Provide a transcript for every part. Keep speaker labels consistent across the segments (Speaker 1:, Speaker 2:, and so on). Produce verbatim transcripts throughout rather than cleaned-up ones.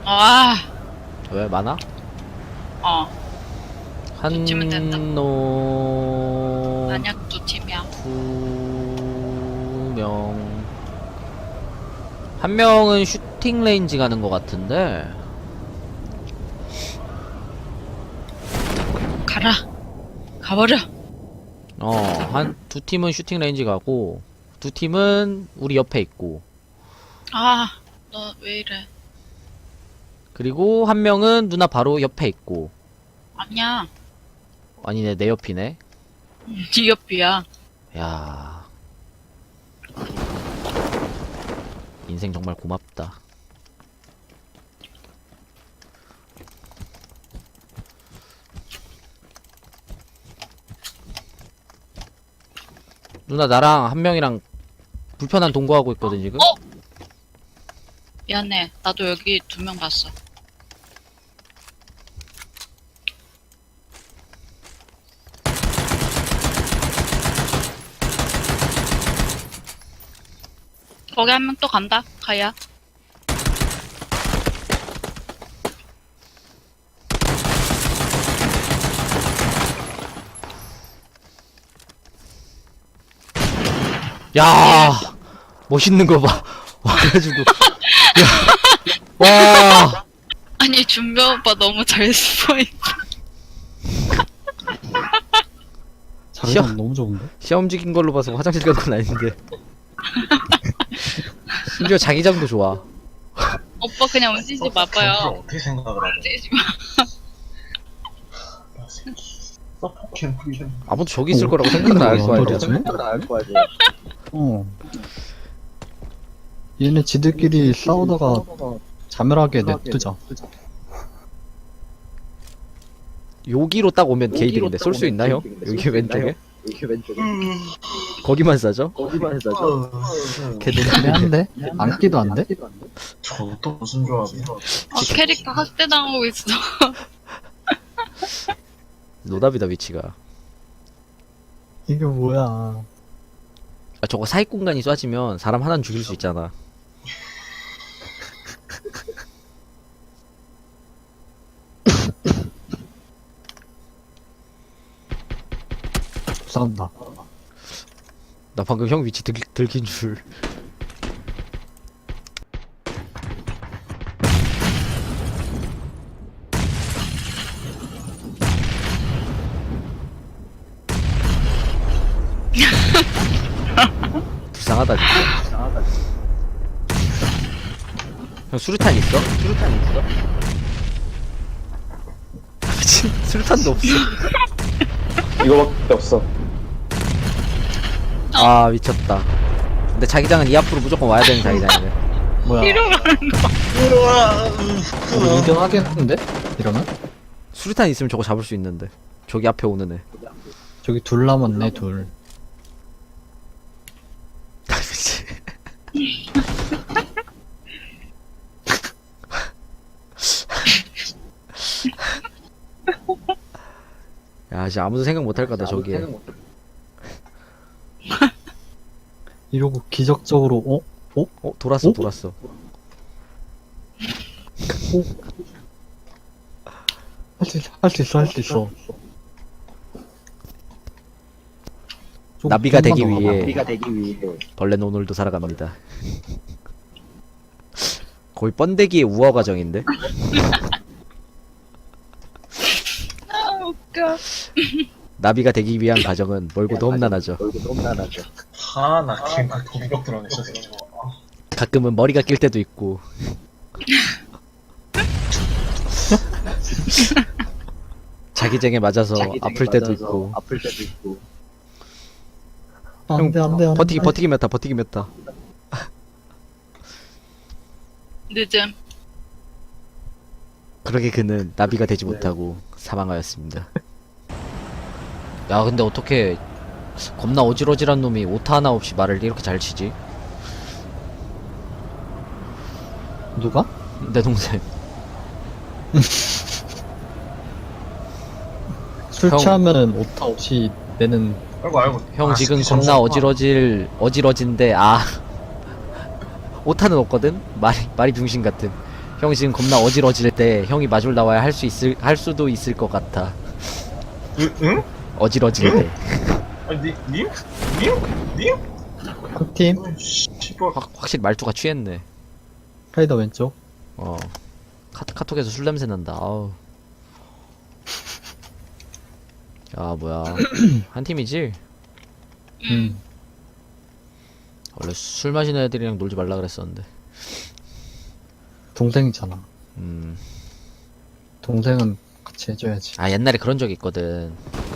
Speaker 1: 아,
Speaker 2: 왜 많아?
Speaker 1: 어.
Speaker 2: 한
Speaker 1: 팀은 된다.
Speaker 2: 놈...
Speaker 1: 만약 두 팀이야.
Speaker 2: 두 명... 한 명은 슈팅 레인지 가는 것 같은데
Speaker 1: 가라. 가버려.
Speaker 2: 어, 한 두 팀은 슈팅 레인지 가고 두 팀은 우리 옆에 있고
Speaker 1: 아, 너 왜 이래?
Speaker 2: 그리고 한 명은 누나 바로 옆에 있고
Speaker 1: 아니야.
Speaker 2: 아니네 내 옆이네.
Speaker 1: 네 옆이야.
Speaker 2: 야 인생 정말 고맙다. 누나 나랑 한 명이랑 불편한 동거하고 있거든 지금.
Speaker 1: 어? 미안해. 나도 여기 두 명 봤어. 거기 한 명 또 간다. 가야.
Speaker 2: 야 멋있는 거 봐. 와가지고 야, 와
Speaker 1: 아니, 준배 오빠 너무 잘 스포인.
Speaker 2: 시험-
Speaker 3: 자기장 너무 좋은데?
Speaker 2: 시험 움직인 걸로 봐서 화장실 간 건 아닌데 심지어 자기장도 좋아.
Speaker 1: 오빠 그냥 움직이지 마봐요.
Speaker 4: 어떻게 생각을 하냐?
Speaker 1: 움직이지 마.
Speaker 4: 서포 캠프
Speaker 2: 아무도 저기 있을 거라고 생각은 안 할 거 아니야.
Speaker 3: 도대체? 어. 얘네 지들끼리 싸우다가 자멸하게 냅두자.
Speaker 2: 여기로 딱 오면 게이득인데 쏠 수 있나 형? 여기 왼쪽에? 거기만 싸죠?
Speaker 3: 걔네 한데? 안기도 안 돼?
Speaker 4: 저또 무슨 조합이야?
Speaker 1: 어, 캐릭터 학대당하고 있어.
Speaker 2: 노답이다 위치가.
Speaker 3: 이게 뭐야.
Speaker 2: 아 저거 사익 공간이 쏴지면 사람 하나는 죽일 수 있잖아.
Speaker 3: 싸운다.
Speaker 2: 나 방금 형 위치 들, 들킨 줄. 불쌍하다 진짜. 형 수류탄 있어? 수류탄 있어? 미친 수류탄도 없어.
Speaker 4: 이거밖에 없어.
Speaker 2: 아 미쳤다. 근데 자기장은 이 앞으로 무조건 와야 되는 자기장이네.
Speaker 3: 뭐야.
Speaker 1: 뒤로 가는 거.
Speaker 3: 우리 이 등 하겠는데? 이러면?
Speaker 2: 수류탄 있으면 저거 잡을 수 있는데. 저기 앞에 오는 애.
Speaker 3: 저기 둘 남았네, 둘.
Speaker 2: 아, 미치. 야, 진짜 아무도 생각 못할 거다 저기에.
Speaker 3: 이러고 기적적으로, 어? 어?
Speaker 2: 어, 돌았어,
Speaker 3: 어?
Speaker 2: 돌았어.
Speaker 3: 할 수 있어, 할 수 있어, 할 수 있어. 좀
Speaker 2: 나비가 되기
Speaker 3: 좀만 더
Speaker 2: 위해
Speaker 3: 가봐.
Speaker 2: 벌레는 오늘도 살아갑니다. 거의 번데기의 우화 과정인데?
Speaker 1: 아, 웃겨.
Speaker 2: 나비가 되기 위한 과정은 멀고도 험난하죠.
Speaker 4: 하나 캠프 공격 드러냈어.
Speaker 2: 가끔은 머리가 낄 때도 있고. 자기쟁에 맞아서 아플 때도 있고.
Speaker 3: 안 돼, 안 돼, 안 돼.
Speaker 2: 버티기, 버티기 메타, 버티기 메타.
Speaker 1: 늦음.
Speaker 2: 그러게 그는 나비가 되지 못하고 사망하였습니다. 야, 근데 어떻게 겁나 어질어질한 놈이 오타 하나 없이 말을 이렇게 잘 치지?
Speaker 3: 누가?
Speaker 2: 내 동생.
Speaker 3: 술
Speaker 2: 형.
Speaker 3: 취하면은 오타 없이 내는
Speaker 4: 알고 알고.
Speaker 2: 형
Speaker 4: 아,
Speaker 2: 지금
Speaker 4: 스키
Speaker 2: 겁나
Speaker 4: 점수
Speaker 2: 어질어질 어질어진데 아 오타는 없거든. 말이 말이 병신 같은. 형 지금 겁나 어질어질 때 형이 마중 나와야 할 수 있을 할 수도 있을 것 같아.
Speaker 4: 응? 응?
Speaker 2: 어질어질 때.
Speaker 4: 아니 니, 님? 님? 님?
Speaker 3: 한 팀.
Speaker 4: 어, 씨발.
Speaker 2: 확, 확실히 말투가 취했네.
Speaker 3: 카이더 왼쪽.
Speaker 2: 어. 카, 카톡에서 술 냄새 난다. 아우. 야 뭐야. 한 팀이지?
Speaker 3: 음.
Speaker 2: 원래 술 마시는 애들이랑 놀지 말라 그랬었는데.
Speaker 3: 동생이잖아.
Speaker 2: 음.
Speaker 3: 동생은 같이 해줘야지.
Speaker 2: 아 옛날에 그런 적이 있거든.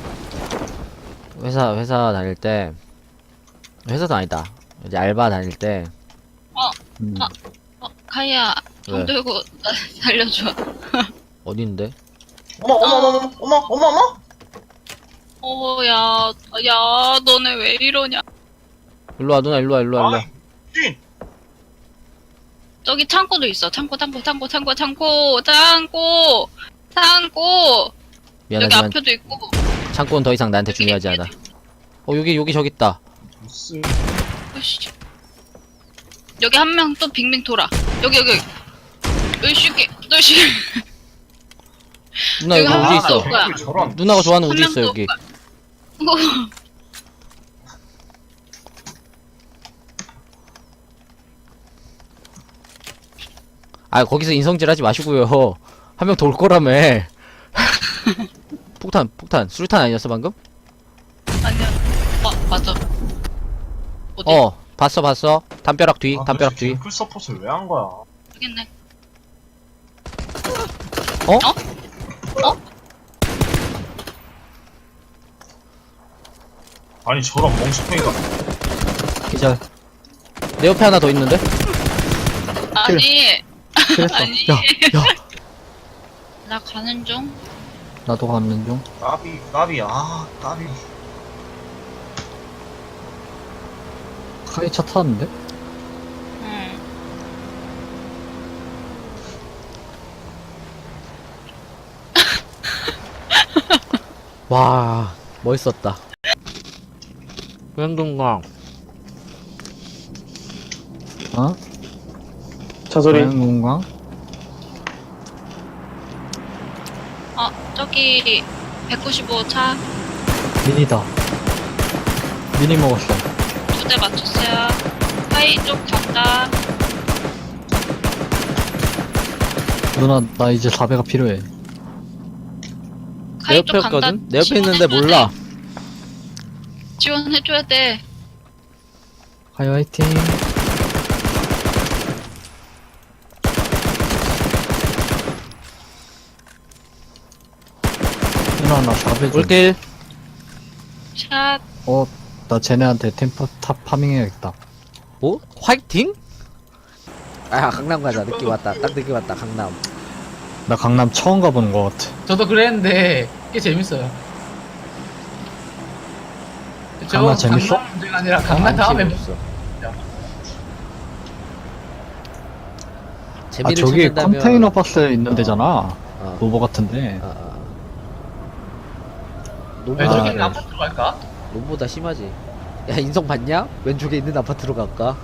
Speaker 2: 회사 회사 다닐 때 회사도 아니다. 이제 알바 다닐 때
Speaker 3: 음.
Speaker 1: 아. 어, 카이야, 돈
Speaker 2: 왜?
Speaker 1: 들고 나 살려줘.
Speaker 2: 어딘데?
Speaker 4: 어머 어머 어머 어머 어머 어머.
Speaker 1: 어, 야, 야, 너네 왜 이러냐?
Speaker 2: 일로와 누나 일로와 일로와 일로와.
Speaker 4: 아이, 찐.
Speaker 1: 저기 창고도 있어. 창고, 창고, 창고, 창고, 창고, 창고, 창고. 여기
Speaker 2: 미안하지만
Speaker 1: 앞에도 있고.
Speaker 2: 창고는 더 이상 나한테 중요하지 않아. 어 여기 여기 저기 있다.
Speaker 4: 무슨
Speaker 1: 으이씨. 여기 한 명 또 빙빙 돌아. 여기, 여기. 으이씨, 으이씨.
Speaker 2: 누나 여기
Speaker 1: 여기
Speaker 2: 우지
Speaker 1: 하나
Speaker 2: 있어.
Speaker 1: 더 거야.
Speaker 4: 저런.
Speaker 2: 누나가 좋아하는
Speaker 1: 한
Speaker 2: 우지
Speaker 1: 명
Speaker 2: 있어
Speaker 1: 또
Speaker 2: 여기.
Speaker 1: 어,
Speaker 2: 아 거기서 인성질 하지 마시고요. 한 명 돌 거라며. 폭탄 폭탄 수류탄 아니었어 방금?
Speaker 1: 아니야. 어, 맞아. 어디?
Speaker 2: 어 봤어 봤어. 담벼락 뒤
Speaker 4: 아,
Speaker 2: 담벼락
Speaker 4: 도대체
Speaker 2: 뒤.
Speaker 4: 풀 서폿을 왜 한 거야?
Speaker 1: 모르겠네.
Speaker 2: 어?
Speaker 1: 어?
Speaker 4: 아니 저런 멍청이가.
Speaker 3: 기절.
Speaker 2: 내 옆에 하나 더 있는데?
Speaker 1: 아니,
Speaker 3: 그랬어.
Speaker 1: 아니.
Speaker 2: 야 야.
Speaker 1: 나 가는 중.
Speaker 3: 나도 가는 중.
Speaker 4: 까비 까비 아 까비.
Speaker 3: 카이 차 타는데?
Speaker 1: 응.
Speaker 2: 와 멋있었다. wen동강
Speaker 3: 어?
Speaker 4: 차소리.
Speaker 3: 자연공강?
Speaker 1: 어, 저기 백구십오 차 두 대
Speaker 3: 미니다. 미니 먹었어.
Speaker 1: 맞췄어요. 카이 쪽 간다.
Speaker 3: 누나, 나 이제 사배가 필요해.
Speaker 2: 내
Speaker 1: 카이
Speaker 2: 옆에
Speaker 1: 쪽 간다.
Speaker 2: 있거든? 내 옆에 있는데
Speaker 1: 지원해줘야
Speaker 2: 몰라.
Speaker 1: 돼. 지원해줘야 돼.
Speaker 3: 카이 화이팅. 누나, 나 사배 좀.
Speaker 2: 올길.
Speaker 1: 샷.
Speaker 3: 어, 나 쟤네한테 템퍼 탑 파밍 해야겠다.
Speaker 2: 뭐? 화이팅? 아 강남 가자. 느낌 왔다. 딱 느낌 왔다. 강남.
Speaker 3: 나 강남 처음 가보는 것 같아.
Speaker 5: 저도 그랬는데 꽤 재밌어요. 그쵸?
Speaker 3: 강남 재밌어?
Speaker 5: 강남 문제가 아니라 강남 다음에 뭐-
Speaker 2: 재미없어.
Speaker 3: 아,
Speaker 2: 재미를
Speaker 3: 저기
Speaker 2: 찾는다면
Speaker 3: 컨테이너 박스 있는 데잖아.
Speaker 2: 어.
Speaker 3: 로버 같은데.
Speaker 2: 아, 아. 노보다
Speaker 5: 왼쪽에
Speaker 3: 아,
Speaker 5: 있는
Speaker 3: 네.
Speaker 5: 아파트로 갈까?
Speaker 2: 노보다 심하지. 야 인성 봤냐? 왼쪽에 있는 아파트로 갈까?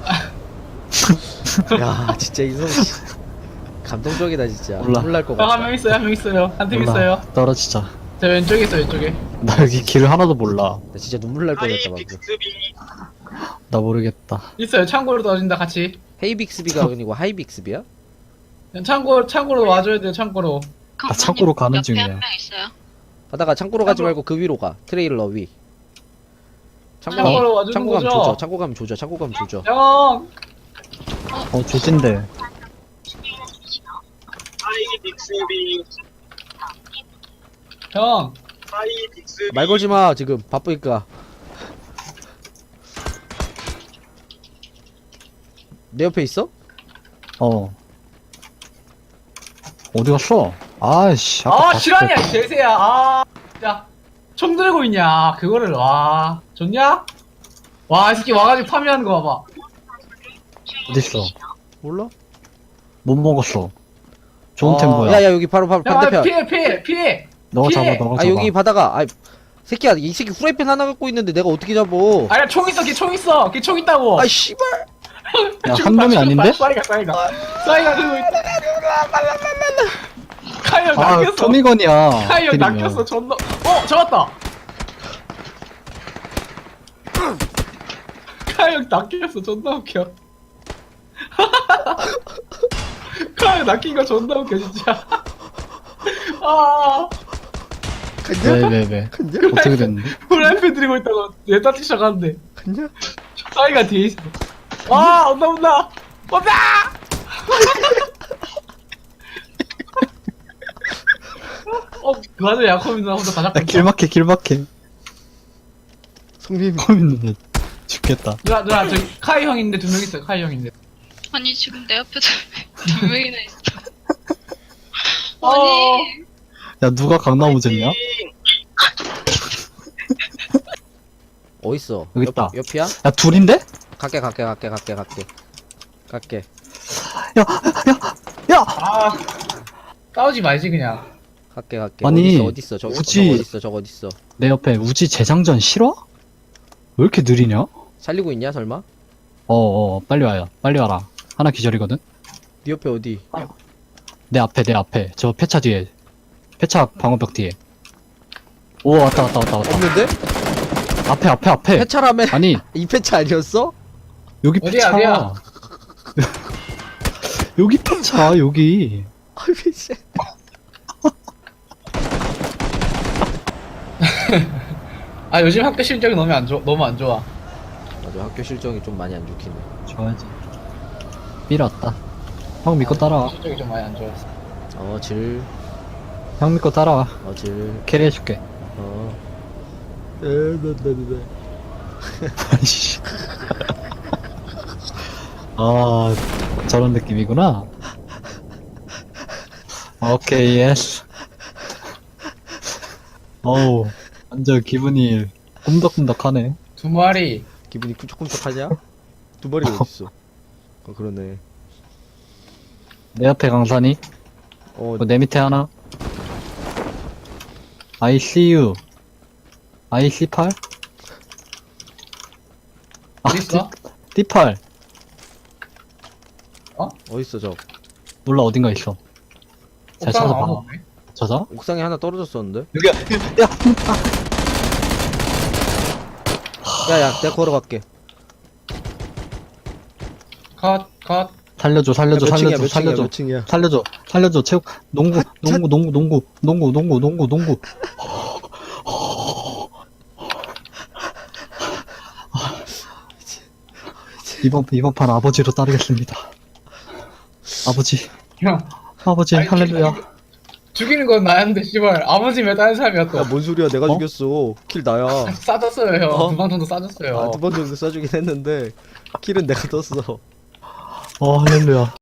Speaker 2: 야 진짜 인성 씨. 감동적이다 진짜.
Speaker 3: 몰라.
Speaker 2: 놀랄 것
Speaker 5: 형 한
Speaker 2: 같다.
Speaker 5: 명 있어요, 한 명 있어요. 한 팀
Speaker 3: 몰라.
Speaker 5: 있어요.
Speaker 3: 떨어지자.
Speaker 5: 저 왼쪽에 있어, 왼쪽에.
Speaker 3: 나 여기 길을 하나도 몰라.
Speaker 2: 나 진짜 눈물 날 뻔했다 방금.
Speaker 3: 나 모르겠다.
Speaker 5: 있어요, 창고로 떨어진다, 같이.
Speaker 2: 헤이빅스비가 아니고 하이빅스비야?
Speaker 5: 창고, 창고로 와줘야 돼요, 창고로.
Speaker 3: 나 창고로 가는
Speaker 1: 옆에
Speaker 3: 중이야.
Speaker 1: 한 명 있어요.
Speaker 2: 가다가 창고로 가지
Speaker 5: 창고-
Speaker 2: 말고 그 위로 가. 트레일러 위. 창고
Speaker 5: 창고로
Speaker 2: 가면
Speaker 5: 와주는
Speaker 2: 창고 가면
Speaker 5: 거죠?
Speaker 2: 조져. 창고 가면 조져. 창고 가면 조져.
Speaker 5: 형!
Speaker 3: 어, 조진데.
Speaker 5: 형!
Speaker 2: 말 걸지 마 지금 바쁘니까. 내 옆에 있어?
Speaker 3: 어. 어디 갔어? 아이씨. 아까
Speaker 5: 아,
Speaker 3: 봤을
Speaker 5: 실화냐,
Speaker 3: 때-
Speaker 5: 이 개새야. 아, 야. 총 들고 있냐, 그거를, 와. 좋냐? 와, 이 새끼 와가지고 파밍하는 거 봐봐.
Speaker 3: 어딨어?
Speaker 2: 몰라?
Speaker 3: 못 먹었어. 좋은 템 뭐야?
Speaker 2: 야야 여기 바로 바로
Speaker 5: 형, 아,
Speaker 2: 반대편.
Speaker 5: 피해, 피해, 피해!
Speaker 3: 너가
Speaker 5: 피해!
Speaker 3: 잡아, 너가
Speaker 2: 아
Speaker 3: 잡아.
Speaker 2: 여기 바다가. 아 새끼야 이 새끼 후라이팬 하나 갖고 있는데 내가 어떻게 잡어?
Speaker 5: 아니야, 총 있어, 걔 총 있어! 걔 총 있다고!
Speaker 2: 아 씨발.
Speaker 3: 야, 한 놈이 아닌데?
Speaker 5: 쏴이가, 쏴이가. 쏴이가 들고 있다. 카이 형
Speaker 3: 아,
Speaker 5: 낚였어.
Speaker 3: 토미건이야.
Speaker 5: 카이 형
Speaker 3: 때리면.
Speaker 5: 낚였어. 존나. 어, 잡았다. 카이 형 낚였어. 존나 웃겨. 카이 형 낚인 거 존나 웃겨 진짜. 아,
Speaker 3: 왜, 왜, 왜. 어떻게 됐는데?
Speaker 5: 프라이팬 들고 있다가 얘 따지 시작하는데. 카이가 뒤에 있어. 와, 온다 온다. 온다. 어, 맞아 야코민나 혼자 다 잡고
Speaker 3: 야,
Speaker 5: 있다.
Speaker 3: 길막해, 길막해.
Speaker 2: 성님
Speaker 3: 코민는 죽겠다.
Speaker 5: 누나 누나 저기 카이 형인데 두 명 있어. 카이 형인데.
Speaker 1: 아니 지금 내 앞에 두 명이나 있어.
Speaker 5: 어.
Speaker 1: 아니
Speaker 3: 야, 누가 강나무졌냐?
Speaker 2: 어딨어?
Speaker 3: 여기 있다.
Speaker 2: 옆, 옆이야?
Speaker 3: 야, 둘인데?
Speaker 2: 갈게 갈게 갈게 갈게 갈게 갈게.
Speaker 3: 야, 야, 야!
Speaker 5: 아, 싸우지 말지 그냥.
Speaker 2: 갈게 갈게.
Speaker 3: 아니,
Speaker 2: 어딨어 어딨어 저거
Speaker 3: 우지-
Speaker 2: 저거 어딨어 저거 어딨어.
Speaker 3: 내 옆에 우지 재장전 싫어? 왜 이렇게 느리냐?
Speaker 2: 살리고 있냐 설마?
Speaker 3: 어어, 빨리 와요. 빨리 와라. 하나 기절이거든?
Speaker 2: 네 옆에 어디?
Speaker 3: 내 앞에, 내 앞에. 저 폐차 뒤에. 폐차 방어벽 뒤에. 오, 왔다, 왔다, 왔다, 왔다.
Speaker 2: 없는데?
Speaker 3: 앞에, 앞에, 앞에.
Speaker 2: 폐차라며?
Speaker 3: 아니,
Speaker 2: 이 폐차 아니었어?
Speaker 3: 여기
Speaker 5: 어디야,
Speaker 3: 폐차.
Speaker 5: 어디야?
Speaker 3: 여기 폐차, 여기.
Speaker 2: 아 미친.
Speaker 5: 아 요즘 학교 실적이 너무 안 좋아. 너무 안 좋아.
Speaker 2: 맞아 학교 실적이 좀 많이 안 좋긴 해.
Speaker 3: 좋아야지. 삐었다. 형 믿고 따라와.
Speaker 5: 실적이 좀 많이 안 좋았어.
Speaker 2: 어질
Speaker 3: 형 믿고 따라와.
Speaker 2: 어질
Speaker 3: 캐리해줄게.
Speaker 2: 어. 에나나나.
Speaker 3: 아이씨. 아, 저런 느낌이구나. 오케이, 예스. 어우, 완전 기분이 꿈덕꿈덕하네.
Speaker 5: 두 마리.
Speaker 2: 기분이 쿵짝쿵짝하냐? 두 마리가 어딨어? 어 그러네.
Speaker 3: 내 앞에 강산이,
Speaker 2: 어
Speaker 3: 어, 내 밑에 하나. I see you. I see 팔? 아,
Speaker 5: 어디 있어?
Speaker 3: D 팔.
Speaker 2: 어딨어 저?
Speaker 3: 몰라, 어딘가 있어. 잘
Speaker 5: 옥상
Speaker 3: 찾아봐.
Speaker 5: 아무도 없네.
Speaker 3: 찾아?
Speaker 2: 옥상에 하나 떨어졌었는데?
Speaker 3: 여기야, 야!
Speaker 2: 야야 내가 걸어갈게.
Speaker 5: 컷, 컷.
Speaker 3: 살려줘, 살려줘,
Speaker 2: 몇 층이야
Speaker 3: 살려줘,
Speaker 2: 몇 층이야
Speaker 3: 살려줘.
Speaker 2: 몇 층이야?
Speaker 3: 살려줘, 살려줘, 체육, 농구, 농구, 농구, 농구, 농구, 농구, 농구, 농구. 이번, 이번 판 아버지로 따르겠습니다. 아버지,
Speaker 5: 형.
Speaker 3: 아버지,
Speaker 5: 아니,
Speaker 3: 할렐루야.
Speaker 5: 죽이는 건 나였는데 씨발 아버지 왜 다른 사람이야 또.
Speaker 2: 야뭔 소리야 내가
Speaker 3: 어?
Speaker 2: 죽였어. 킬 나야.
Speaker 5: 싸졌어요 형.
Speaker 2: 어?
Speaker 5: 두 방 정도 싸졌어요.
Speaker 2: 아 두 번 정도 쏴주긴 했는데 킬은 내가 떴어.
Speaker 3: 어, 할렐루야.